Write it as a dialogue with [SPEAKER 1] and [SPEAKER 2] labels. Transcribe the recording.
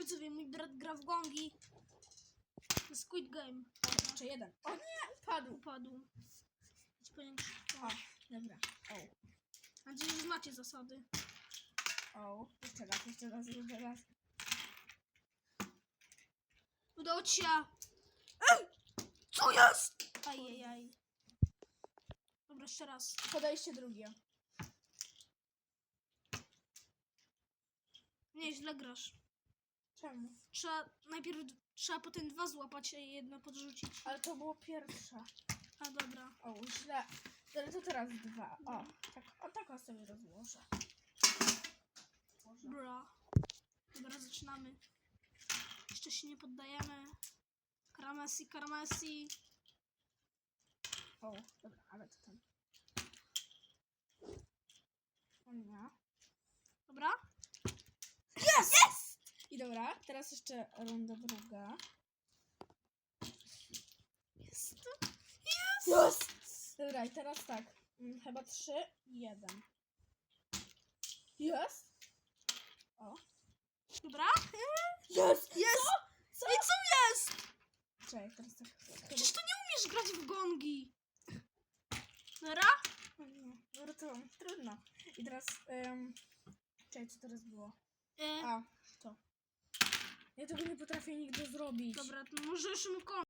[SPEAKER 1] widzowie, mój brat gra w gongi. Squid Game.
[SPEAKER 2] Jeszcze jeden. O nie,
[SPEAKER 1] Upadł. Idź po niego.
[SPEAKER 2] O, dobra.
[SPEAKER 1] Mam nadzieję, że znacie zasady.
[SPEAKER 2] Jeszcze raz.
[SPEAKER 1] Udało ci się. Co jest? Ajajaj. Dobra, jeszcze raz.
[SPEAKER 2] Podejście drugie.
[SPEAKER 1] Nie, źle grasz.
[SPEAKER 2] Czemu?
[SPEAKER 1] Najpierw trzeba potem 2 złapać, a jedno podrzucić.
[SPEAKER 2] Ale to było pierwsze.
[SPEAKER 1] A dobra.
[SPEAKER 2] Źle. Ale to teraz 2. Tak sobie rozłożę.
[SPEAKER 1] Bra. Dobra, zaczynamy. Jeszcze się nie poddajemy. Karamesi.
[SPEAKER 2] Dobra, ale to tam. O nie.
[SPEAKER 1] Dobra?
[SPEAKER 2] Jest! I dobra, teraz jeszcze runda druga.
[SPEAKER 1] Jest.
[SPEAKER 2] Dobra, i teraz tak. Chyba 3, 1. Jest!
[SPEAKER 1] Dobra?
[SPEAKER 2] Jest!
[SPEAKER 1] Co? I co jest?
[SPEAKER 2] Czekaj, teraz tak.
[SPEAKER 1] Przecież to nie umiesz grać w gongi. Dobra?
[SPEAKER 2] Dobra, to trudno. I teraz, czekaj, co teraz było? To. Ja tego nie potrafię nigdy zrobić.
[SPEAKER 1] Dobra, to możesz mu kończyć.